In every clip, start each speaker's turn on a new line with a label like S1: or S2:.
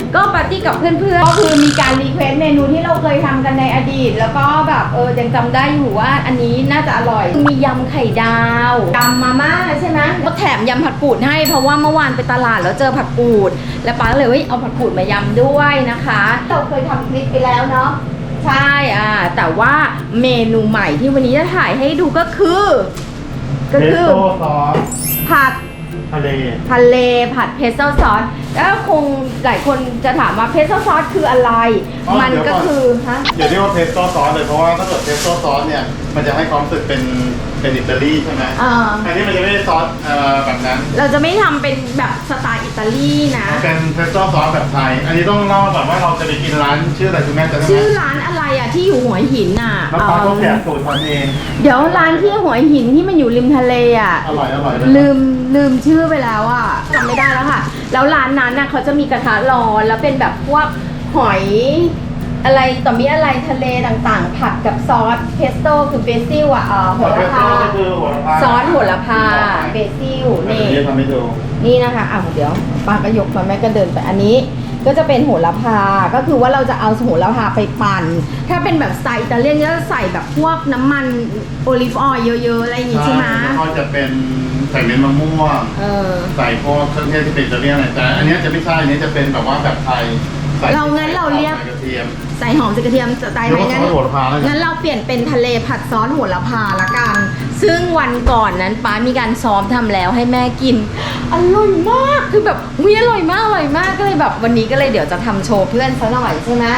S1: ก็ปาร์ตี้กับเพื่อนๆก็คือมีการรีเควสเมนูที่เราเคยทำกันในอดีตแล้วก็แบบยังจำได้อยู่ว่าอันนี้น่าจะอร่อยมียำไข่ดาวยำมาม่าใช่ไหมก็แถมยำผักกูดให้เพราะว่าเมื่อวานไปตลาดแล้วเจอผักกูดแล้วป้าก็เลยเอาผักกูดมายำด้วยนะคะเราเคยทำคลิปไปแล้วเนาะใช่แต่ว่าเมนูใหม่ที่วันนี้จะถ่ายให้ดูก็คือ
S2: เพสโต้ซอส
S1: ผัด
S2: ทะเล
S1: ผัดเพสโต้ซอสแล้วคงหลายคนจะถามว่าเพสโต้ซอสคืออะไรมันก็คือ
S2: อย่าเรียกว่าเพสโต้ซอสเลยเพราะว่าถ้าเกิดเพสโต้ซอสเนี่ยมันจะให้ความรู้สึกเป็นอิตาลีใช่ไหมอันนี้มันจะไม่ได้ซอสแบบนั้น
S1: เราจะไม่ทำเป็นแบบสไตล์อิตาลีนะ
S2: เป็นเพสโต้ซอสแบบไทยอันนี้ต้องเล่าก่อนว่าเราจะไปกินร้านชื่ออะไรคุณแม่จะได้ไหม
S1: ชื่อร้านอะไรที่อยู่หัวหิน
S2: แล้วป้าก็แกะสูตรทำเอง
S1: เดี๋ยวร้านที่หัวหินที่มันอยู่ริมทะเล
S2: อร่อย
S1: ลืมชื่อไปแล้วจำไม่ได้แล้วค่ะแล้วร้านนั้นเขาจะมีกระทะร้อนแล้วเป็นแบบพวกหอยอะไรต่อมีอะไรทะเลต่างๆผัดกับซอสเพสโต้คือเบซิลโหระพาซอสโหระพาเบซิลนี่นะคะเดี๋ยวป้าก็ยกมาแม่ก็เดินไปอันนี้ก็จะเป็นโหระพาก็คือว่าเราจะเอาโหระพาไปปั่นถ้าเป็นแบบสไตล์อิตาเลียนก็จะใส่แบบพวกน้ำมันโอลิฟออยล์เยอะๆอะไรอย่างงี้ใช่ไหม
S2: ก็จะเป็นใส่เม็ดมะม่วงใส่พวกเครื่องเทศที่เป็นอิตาเลียนอะไรแต่อันนี้จะไม่ใช่อันนี้จะเป็นแบบว่าแบบไทย
S1: เราเรียกใส่หอมใส่กระเทียมสไตล์ไหนงั้นเราเปลี่ยนเป็นทะเลผัดซอสโหระพาละกันซึ่งวันก่อนนั้นป้ามีการซ้อมทำแล้วให้แม่กินอร่อยมากคือแบบอร่อยมากก็เลยแบบวันนี้ก็เลยเดี๋ยวจะทำโชว์เพื่อนซะหน่อยใช่ไหม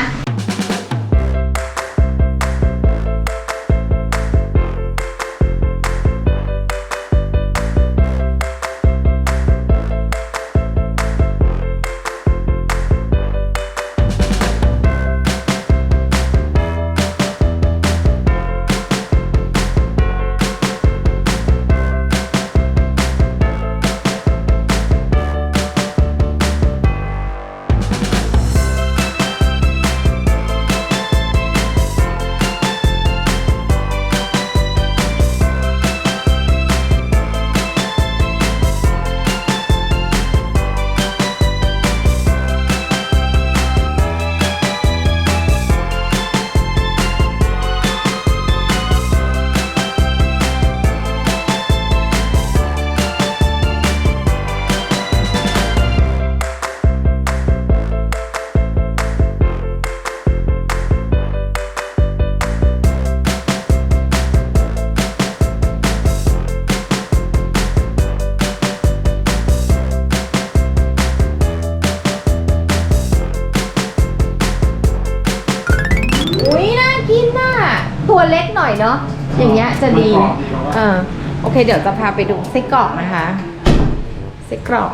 S1: ตัวเล็กหน่อยเนาะอย่างเงี้ยจะดีโอเคเดี๋ยวจะพาไปดูไส้กรอกนะคะไส้กรอก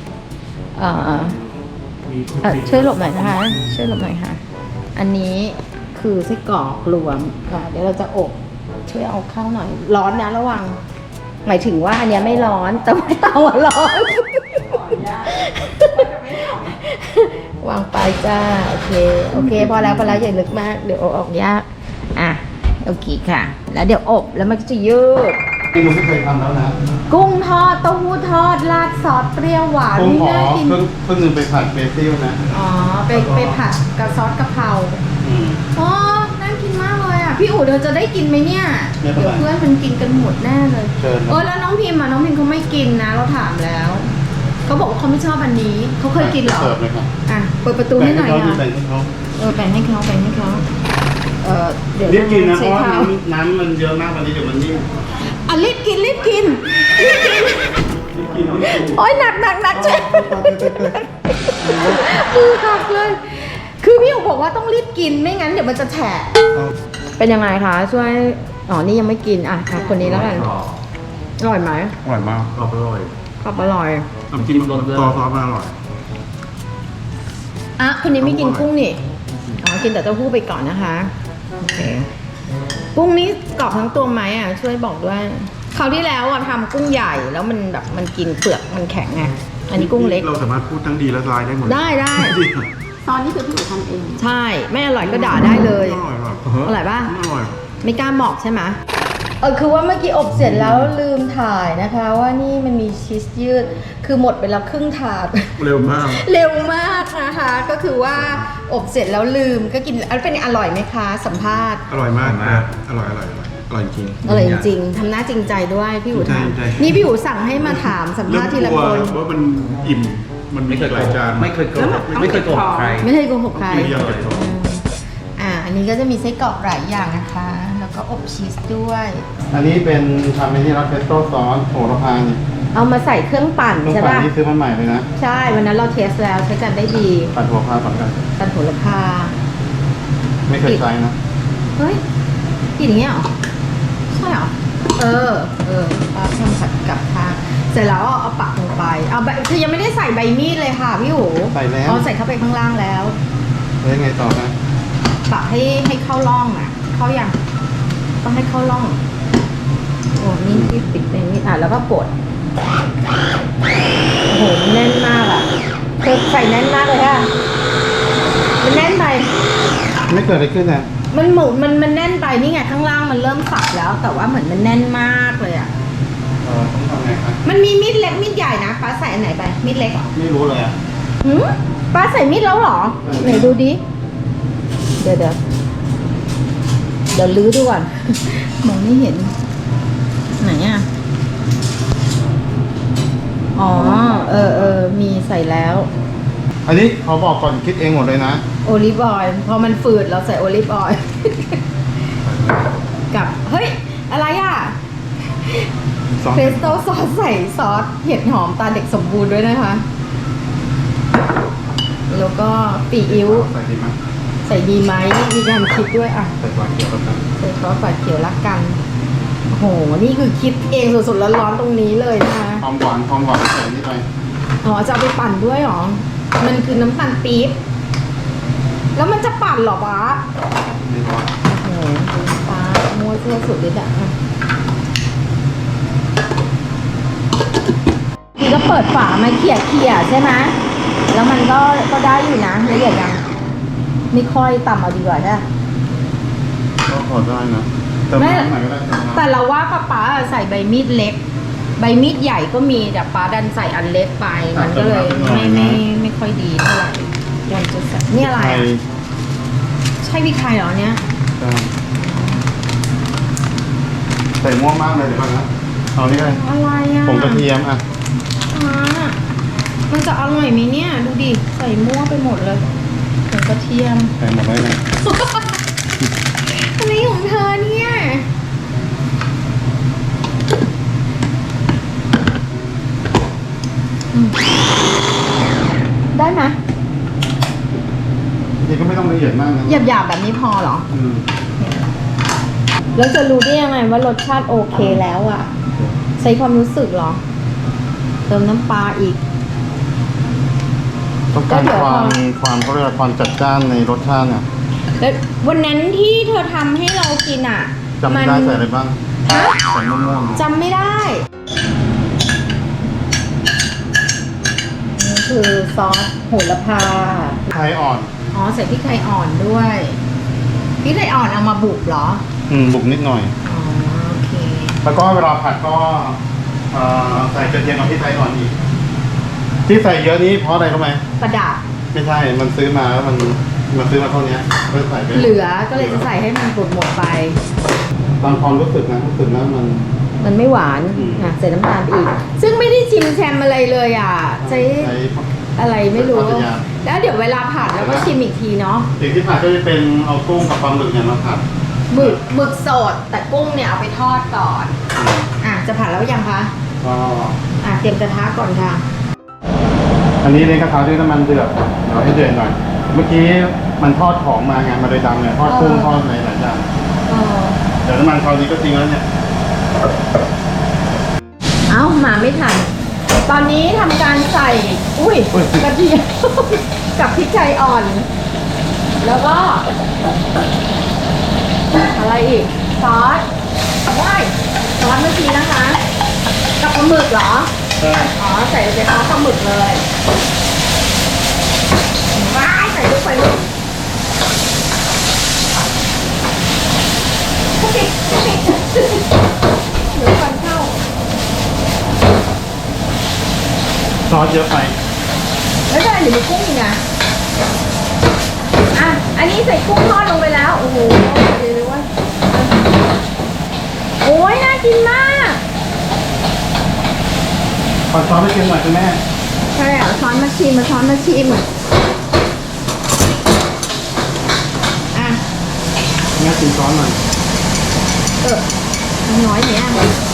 S1: ช่วยหลบหน่อยนะคะช่วยหลบหน่อยค่ะอันนี้คือไส้กรอกรวมค่ะเดี๋ยวเราจะอบช่วยเอาเข้าหน่อยร้อนนะระวังหมายถึงว่าอันนี้ไม่ร้อนแต่ว่าเตาร้อนวางไปจ้าโอเคพอแล้วอย่าลึกมากเดี๋ยวออกยากโอเคค่ะแล้วเดี๋ยวอบแล้วมันก็จะยืด
S2: ที่ลุงไม่เคยทำแล้วนะ
S1: กุ้งทอดเต้าหู้ทอดราดซอสเปรี้ยวหวานนี่น่ากิน
S2: เพิ่งนึงไปผัดเบซิลนะ
S1: ไปผัดกับซอสกะเพราน่ากินมากเลยพี่อู๋เธอจะได้กินไหมเนี่ยเดี๋ยวเพื่อนมันกินกันหมดแน่เลยแล้วน้องพิมเขาไม่กินนะเราถามแล้วเขาบอกว่าเขาไม่ชอบอันนี้เขาเคยกินหรอเปิดประตูให้หน่อยค่ะแบ่งให้เขาเดี๋ยว
S2: รีบกินนะเพราะว่าน้ำมันเยอะมากวันนี้เดี๋ยวมันนิ่ม
S1: รีบกินโอ๊ยหนักช่วยมือหักเลยคือพี่อู๋บอกว่าต้องรีบกินไม่งั้นเดี๋ยวมันจะแฉะเป็นยังไงคะช่วยนี่ยังไม่กินคนนี้แล้วกันอร่อยไหม
S2: อร่อยมากอร่อยน้ำจิ้มรสซอสอร่อย
S1: คนนี้ไม่กินกุ้งนี่กินแต่เต้าหู้ไปก่อนนะคะโอเคกุ้งนี้กรอบทั้งตัวไหมช่วยบอกด้วยคราวที่แล้วทำกุ้งใหญ่แล้วมันกินเปลือกมันแข็งไงอันนี้กุ้งเล็ก
S2: เราสามารถพูดทั้งดีและร้ายได้หมด
S1: ได้ซอสนี่คือพี่อู๋ทำเองใช่ไม่อร่อยก็ด่าได้เลยอร่อยป่ะ
S2: อร่อย
S1: ไม่กล้าบอกใช่ไหมคือว่าเมื่อกี้อบเสร็จแล้วลืมถ่ายนะคะ ว่านี่มันมีชีสยืดคือหมดไปแล้วครึ่งถาด
S3: เร็วมาก
S1: เร็วมากนะคะก็คือว่าอบเสร็จแล้วลืมก็กินเป็นอร่อยไหมคะสัมภาษณ์
S3: อร่อยมากครับอร่อยจริง
S1: อร่อยจริงๆทำหน้าจริงใจด้วยพี่อู๋
S3: ใช่
S1: ทำ
S3: ใช่
S1: นี่พี่อู๋สั่งให้มาถามสัมภาษณ์ทีละคน
S3: ว่ามันอิ่มมันไม่เคยหลายจาน
S4: ไม่เคยโกหกไม่เคยโกหกใคร
S1: ไม่เคยโกหกใคร
S3: ไม่ยอมเก็บของ
S1: อันนี้ก็จะมีไส้กรอกหลายอย่างนะคะ แล้วก็อบชีสด้วย
S2: อันนี้เป็นทำเป็นที่รับเพสโต้ซอสโหระพาเนี่ย
S1: เอามาใส่เครื่องปั่น
S2: ลูก
S1: ใช่
S2: ปัด
S1: ป่ะ
S2: นี่ซื้อมาใหม่เลยนะ
S1: ใช่วันนั้นเราเทสแล้วใช้กันได้ดี
S2: ปัดหัวพาก่อนกัน
S1: ปั่นโหระพา
S2: ไม่เคยใช้นะ
S1: เฮ้ยกินอย่างเงี้ยเหรอใช่เหรอป้าทำผัดกับทางเสร็จแล้วเอาปักลงไปเอาใบคือยังไม่ได้ใส่ใบมีดเลยค่ะพี่หู
S2: ใส่แล้ว
S1: เอาใส่เข้าไปข้างล่างแล้ว
S2: แล้วยังไงต่อนะ
S1: ปักให้เข้าร่องอ่ะ เข้ายังต้องให้เข้าร่องโอ้นี่ที่ปิดในนี้แล้วก็กดโอ้โหมันแน่นมากอ่ะเธอใส่แน่นมากเลยค่ะมันแน่นไป
S2: ไม่เกิดอะไรขึ้นนะ
S1: มันหมูมันแน่นไปนี่ไงข้างล่างมันเริ่มสับแล้ว แต่ว่าเหมือนมันแน่นมากเลยอ่ะ
S2: ต้องทำไงครับ
S1: มันมีมีดเล็กมีดใหญ่นะป้าใส่อันไหนไปมีดเล็กเหรอ
S2: ไม่รู้เลยอ่ะ
S1: หืมป้าใส่มีดแล้วเหรอไหนดูดิเดี๋ยวลื้อดูก่อน มองไม่เห็น ไหนอ่ะอ๋อมีใส่แล้ว
S2: อันนี้เขาบอกก่อนคิดเองหมดเลยนะ
S1: โอลิฟออยล์พอมันฝืดเราใส่โอลิฟออยล์ กับเฮ้ยอะไรอ่ะ
S2: ซอส
S1: เพสโต้ซอสใส่ซอสเห็ดหอมตาเด็กสมบูรณ์ด้วยนะคะ แล้วก็ปีอิ๊ว
S2: ใส่ดีไหม
S1: ใส่ดีไหมมีการคิดด้วยอ่ะ
S2: ใส่ปลาเขียวแล้วกัน
S1: ใส่ซอสฝาเขียวละกันโอ้โหนี่คือคิดเองสดๆร้อนๆตรงนี้เลยนะคะ
S2: ความหวานใส่นี่ไป
S1: อ๋อจะเอาไปปั่นด้วยเหรอมันคือน้ำตาลปี๊บแล้วมันจะปั่นเหรอวะ
S2: ไม่ร้อน
S1: โอ้โหฟ้ามัวเสื้อสุดฤทธิ์อ่ะนี่ก็เปิดฝามาเขี่ยใช่ไหมแล้วมันก็ได้อยู่นะละเอียดยังไม่ค่อยต่ำเอาดีกว่าใช่ไหม
S2: ก็พอได้นะเติมน้ำหน่อยก็ได้เติมน้ำ
S1: แต่เราว่าป๊าใส่ใบมีดเล็ก ใบมีดใหญ่ก็มีแต่ป๊าดันใส่อันเล็กไปมันก็เลยไม่ค่อยดีเท่าไหร่ควรจะใส่นี่อะไรอ่ะใช่พริกไทยเหรอเนี่ย
S2: ใช่ใส่ม่วงมากเลยเดี๋ยวก่อนนะเอานี่เลย
S1: อะไรอ่ะ
S2: ผงกระเทียมอ่ะ
S1: มันจะอร่อยไหมเนี่ยดูดิใส่มั่วไปหมดเลยผงกระเทียม
S2: ใส่หมดเลยนะ
S1: อะไรของเธอเนี่ยได้ไหม
S2: จริงๆก็ไม่ต้องละเอียดมากนะ
S1: หยาบๆแบบนี้พอเหรอ
S2: อืม
S1: แล้วจะรู้ได้ยังไงว่ารสชาติโอเคแล้วอ่ะ ใช้ความรู้สึกเหรอ เติมน้ำปลาอีก
S2: ต้องการ
S1: ก็เดี๋ยว
S2: ความเขาเรียกว่าความจัดจ้านในรสชาติเนี่ย
S1: แล้ววันนั้นที่เธอทำให้เรากินอ่ะ
S2: จำไม่ได้ใส่อะไรบ้าง
S1: ฮะ
S2: ใส่ม่วง
S1: จำไม่ได้นี่คือซอสโหระพา
S2: ๆไทยอ่อน
S1: อ๋อใส่พริกไทยอ่อนด้วยพริกไทยอ่อนเอามาบุกเหรอ
S2: บุกนิดหน่อย
S1: อ๋อโอเค
S2: แล้วก็เวลาผัดก็ใส่กระเทียมกับพริกไทยอ่อนอีก ที่ใส่เยอะนี้เพราะอะไรรู้ไหม
S1: ประดับ
S2: ไม่ใช่ มันซื้อมาแล้วมันซื้อมาเท่านี้ก็ใส่ไป
S1: เหลือก็เลยจะใส่ให้มันหมดไป
S2: ตามความรู้สึกนะรู้สึกแล้วมัน
S1: มันไม่หวาน
S2: อืม
S1: ใส่น้ำตาลไปอีก ซึ่งไม่ได้ชิมแชมอะไรเลยอ่ะใช้
S2: ใช้
S1: อะไรไม่รู้
S2: ใส่ปลาทะยา
S1: แล้วเดี๋ยวเวลาผัดแล้วก็ชิมอีกทีเนาะ
S2: สิ่งที่ผัดก็จะเป็นเอากุ้งกับปลาหมึกเนี่ยมาผัด
S1: หมึกสดแต่กุ้งเนี่ยเอาไปทอดก่อนจะผัดแล้วยังคะ
S2: ก็
S1: เตรียมกระทะก่อนค่ะ
S2: อันนี้ในกระทะด้วยน้ำมันเดือดเดี๋ยวให้เดือดหน่อย เมื่อกี้มันทอดของมาไงมาเลยดำเนี่ยทอดกุ้งทอดอะไรหลายอย่างเดี๋ยวน้ำมันคราวนี้ก็จริงแล้วเนี่ย
S1: เอ้ามาไม่ทัน ตอนนี้ทำการใส่ กระเทียม กับพริกไทยอ่อน แล้วก็ อะไรอีก ซอสว้ายซอสเมื่อกี้นะคะ กับปลาหมึกเหรอ
S2: ใช่
S1: อ๋อ ใส่ไปซอสปลาหมึกเลยว้ายใส่ลูกไปลูกโอเค
S2: อสเยอะไป
S1: ไม่เป็นไรเดี๋ยวมีกุ้งอีกนะอ่ะอันนี้ใส่กุ้งทอดลงไปแล้วโอ้โหเดี๋ยวว่าโอ้ยน่ากินมาก
S2: ขอซอสไปชิมหน่อยคุณแม่
S1: ใช่อ่ะช้อนมาชิมอ่ะ
S2: แม่ชิมซอสหน่อย
S1: น้อยเนี่ย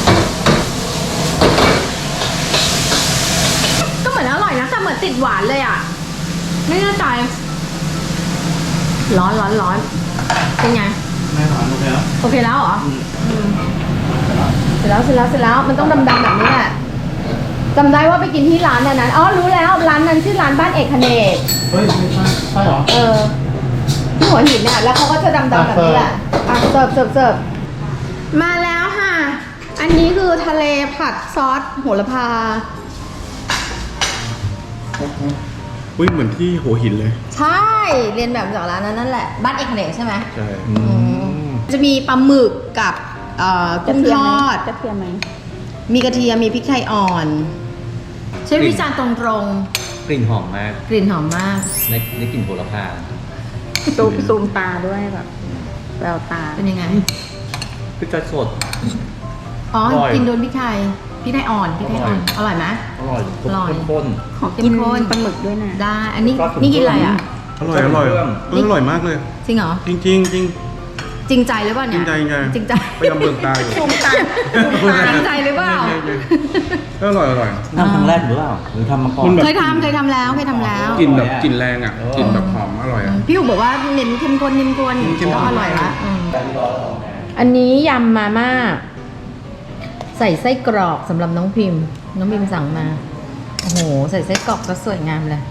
S1: ก็เหมือนอร่อยนะแต่เหมือนติดหวานเลยอ่ะไม่แน่ใจร้อนเป็นไง
S2: แม่ถามโอเคแล้ว
S1: โอเคแล้วเหรอเสร็จแล้วมันต้องดำๆแบบนี้แหละจำได้ว่าไปกินที่ร้านนั้นอ๋อรู้แล้วร้านนั้นชื่อร้านบ้านเอกเนก
S2: เฮ้ยไม่ใช่ใช่เหรอ
S1: ที่หัวหินเนี่ยแล้วเขาก็จะดำๆแบบนี้แหละอ่ะเสิร์ฟมาแล้วค่ะ อันนี้คือทะเลผัดซอสโหระพา
S3: อุ้ยเหมือนที่หัวหินเลย
S1: ใช่เรียนแบบจากร้านนั้นนั่นแหละบ้านเอกเนกใช่ไหม
S3: ใช่
S1: จะมีปลาหมึกกับกุ้งทอด
S5: กระเทียมไหม
S1: มีกระเทียมมีพริกไทยอ่อนใช้วิจารณ์ตรง
S4: กลิ่นหอมมาก
S1: ๆกลิ่นหอมมาก
S4: ในกลิ่นโหระพา
S5: ซูมตาด้วยแบบแววตา
S1: เป็นยังไง
S4: พริกไทยสด
S1: อ๋อ
S4: อร่อย
S1: กินโดนพริกไทยอ่อนอร่อยไหม
S4: อร่อย
S1: อร่อย
S4: ข้น
S5: ขอกินปลาหมึกด้วยนะ
S1: ได้อันนี้นี่กินอะไรอ่ะ
S3: อร่อยอร่อยอร่อยมากเลย
S1: จริงเหรอ
S3: จริงจริงจริง
S1: จริงใจหรือเปล่าเนี่ย
S3: จริงใจ
S1: จริงใจ
S3: พยายามเบิ่งตาอยู่
S5: ซูมตา
S1: จริงใจหรือเปล่า
S3: ก็อร่อยอร่อย
S4: ๆทำครั้งแรกหรือเปล่าหรือทำมาก่อน
S3: มันแบบ
S1: เคยทำแล้ว
S3: กลิ่นแบบกลิ่นแรงอ่ะกลิ่นแบบหอมอร่อยอ่ะ
S1: พี่อู๋บอกว่าเน้นเข้มข้น
S3: เข้มข้น
S1: ก็อร่อยละอันนี้ยำมาม่าใส่ไส้กรอกสำหรับน้องพิมพ์สั่งมาโอ้โหใส่ไส้กรอกก็สวยงามเลย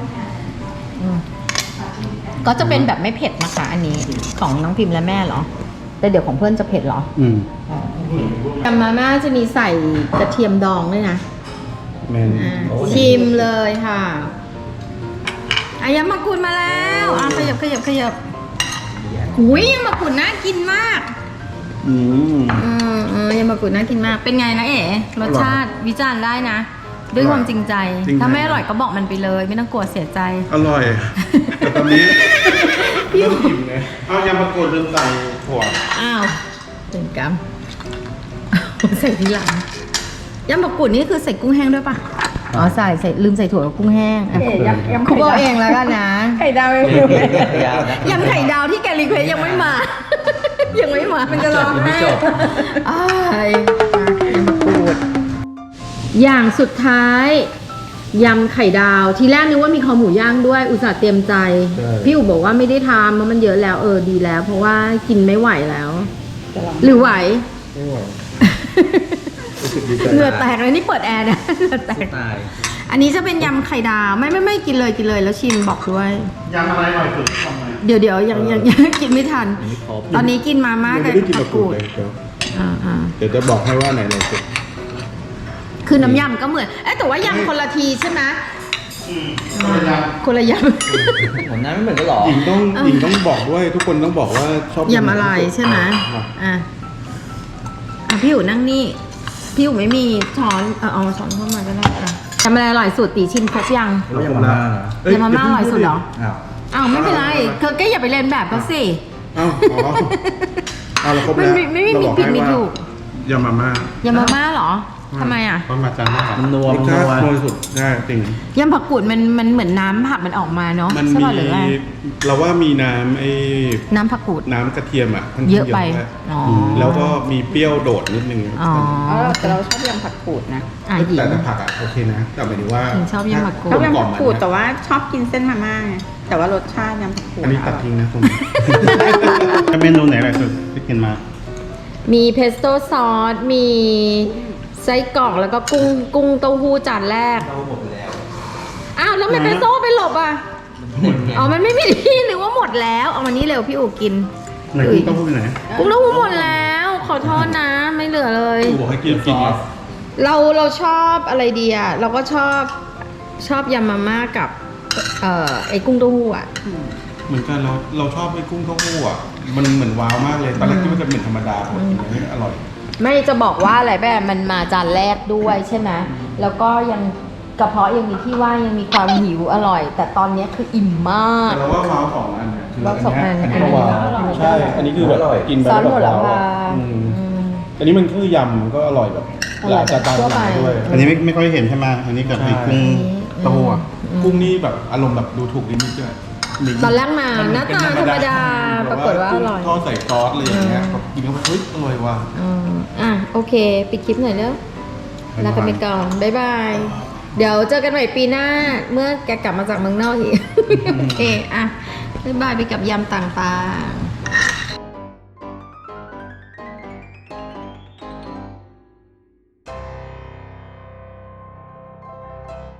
S1: ก็จะเป็นแบบไม่เผ็ดนะคะอันนี้ของน้องพิมพ์และแม่เหรอแต่เดี๋ยวของเพื่อนจะเผ็ดเหรอ
S2: อืม
S1: ยำมาม่าจะมีใส่กระเทียมดองด้วยนะ
S2: แม่น
S1: ชิมเลยค่ะอายำมะกรูดมาแล้วขยับหุยยำมะกรูดน่ากินมาก
S2: อืม
S1: ยำมะกรูดน่ากินมากเป็นไงนะเอ๋รสชาติวิจารณ์ได้นะ ด้วยความจริงใจถ้าไม่อร่อยก็บอกมันไปเลย ไม่ต้องกลัวเสียใจ
S3: อร่อยแต่ตอนนี้เริ่มอิ่มเลยเอายำมะกรูดลืมใส่ถั่ว
S1: อ้าวเป็นกรรม ใส่ทีหลังยำมะกรูดนี่คือใส่กุ้งแห้งด้วยปะอ๋อใส่ลืมใส่ถั่วกับกุ้งแห้ง
S5: ยำ
S1: คุกเอาเองแล้วกันนะ
S5: ไข่ดาวไม่
S4: เดี๋
S5: รู้
S4: ยวนะ
S1: ยำไข่ดาวที่แกรีเควสยังไม่มา ยังไม่มา มันจะร้อง
S4: ยังไม่
S1: ไห้
S4: จบ
S1: อ้ายยำมะกรูดอย่างสุดท้ายยำไข่ดาว ทีแรกนึกว่ามีคอหมูย่างด้วย อุตส่าห์เตรียมใจ พี่อุ๋บอกว่าไม่ได้ทำเพราะมันเยอะแล้วดีแล้ว เพราะว่ากินไม่ไหวแล้ว หรือไหว
S3: ไม่ไหว
S1: เหงื่อแตกเลยนี่เปิดแอร์นะเหงื่อแตก
S4: ตาย
S1: อันนี้จะเป็นยำไข่ดาวไม่กินเลยแล้วชิมบอกด้วย
S2: ยำอะไรอร่อยสุดทำไม
S1: เดี๋ยวยังกินไม่ทัน
S4: อันนี้ครบ
S1: ตอนนี้กินมาม่า
S3: ยัง
S1: กับ
S3: ไม่ได้กิน
S1: ผั
S3: มะ
S1: ก
S3: กรู
S1: กู
S3: ด
S1: ด
S3: เลยเดี๋ยว
S1: อ่า
S3: เดี๋ยวจะบอกให้ว่าไหนอร่อยสุด
S1: คือน้ำยำก็เหมือนแต่ว่ายำคนละทีใช่ไหม คนละย
S4: ผมนั้นไม่เหมือนกันหรอ
S3: หญิงต้องบอกด้วย ทุกคนต้องบอกว่าชอบ
S1: ำ ยำอะไรใช่ไหม
S3: อ่ะ
S1: พี่อยู่นั่งนี่พี่อยู่ไม่มีช้อนเอาช้อนเข้ามาก็ได้ทำอะไรอร่อยสุดตีชิมครบยัง
S4: แล้วยำมาม่าเหรอ
S1: ยำมาม่าอร่อยสุดเหรอ
S4: อ้าว
S1: อ้าวไม่เป็นไรเธอก็อย่าไปเรียนแบบเขาสิ
S3: อ้าวอ๋อเอาเราครบ
S1: มัน
S3: แล้ว
S1: ไม่มี
S3: เราบอก
S1: ผิด
S3: ให้
S1: มี
S3: ว่า
S1: ถูก
S3: ยำมาม่าย
S1: ำมาม่าเหรอทำไมอ่ะ
S2: ต้นมาจานมากครับ
S4: มันนัว
S3: รส
S4: มัน
S3: ชา
S4: นัว
S3: ตินัวสุดใช่จริง
S1: ยำผักกูดมันเหมือนน้ำผักมันออกมาเนาะ
S3: มัน
S1: ใช่
S3: มี
S1: ป่ะหรืออะไร
S3: เราว่ามีน้ำ
S1: น้ำผักกูด
S3: น้ำกระเทียมอ่ะค่นข้าง
S1: เยอะไป
S3: ด้วย
S1: อ๋อ
S3: แล้วก็มีเปรี้ยวโดดนิดนึง
S1: อ๋อ
S5: แต่เราชอบยำผักกูดนะ
S1: หญิง
S3: แต่ผักอ่ะโอเคนะ แต่หมายถึงว่า
S1: หญิงชอบยำผักกูด
S5: ชอบยำ
S3: กล่อ
S5: ผั
S3: ม
S5: ก
S3: มัน
S5: กูด
S3: นะ
S5: แต่ว่าชอบกินเส้นมาม่าไงแต่ว่ารสชาติยำผักกูด
S3: อันนี้ตัดทิ้งนะคุณ
S2: เมนูไหนอร่อยสุดที่กินมา
S1: มีเพสโต้ซอส มีไส้กรอกแล้วก็กุ้งเต้าหู้จานแรก
S4: เราหมดไปแล้ว
S1: อ้าวแล้วทำไมเพสโต้ไปหลบอ่ะ อ๋อ มันไม่มีที่นึกว่าหมดแล้ว เอามานี่เร็วพี่อู๋กิน
S2: ไหนกุ้งเต้าหู้อยู่ไหน
S1: กุ้งเต้าหู้หมดแล้ว ขอโทษนะ ไม่เหลือเลย
S3: กูบอกให้กินกิน
S1: เราชอบอะไรดีอ่ะ เราก็ชอบยำมาม่ากับไอ้กุ้งเต้าหู้อ่ะ
S3: เหมือนกันเราชอบไอ้กุ้งเต้าหู้อ่ะมันเหมือนว้าวมากเลยตอนแรกคิดว่าจะเป็นธรรมดาผมกินแล้วอร่อย
S1: ไม่จะบอกว่าอะไรแบบมันมาจานแรกด้วยใช่ไหมแล้วก็ยังกระเพาะยังมีที่ว่างยังมีความหิวอร่อย แต่ตอนนี้คืออิ่มมาก
S3: แต่เราว่าว้าวของอันเนี่ยคือ
S1: ว้าวสองอัน
S3: อันนี้ก็ว้าวใช่ อันนี้คือแบบกินไป
S1: ซอส
S3: แล้ว
S1: โห
S3: แบบ
S1: ระ
S3: ว้าว
S1: พา
S3: อะอันนี้มันคือยำมันก็อร่อยแบบ
S1: อร่อยแบบ
S3: จะตาม
S1: ทั่วไป
S3: หลังด้วย
S2: อันนี้ไม่ค่อยเห็นใช่ไหมอันนี้กับไอ้กุ้งเต้าหู้อะ
S3: กุ้งนี่แบบอารมณ์แบบดูถูกนิดนึงด้วย
S1: ตอนแรกมาหน้าตาธรรมดาปรากฏว่าอร่อย
S3: ทอดใส่ซอสอะไรอย่างเงี้ยแบบกินเข้าไปเฮ้ยอร่อยว่ะ
S1: โอเค ปิดคลิปหน่อยแล้วลากันไปก่อน บ๊ายบาย เดี๋ยวเจอกันใหม่ปีหน้า เมื่อแกกลับมาจากเมืองนอกอีก โอเค บ๊ายบายไปกับยำต่างๆ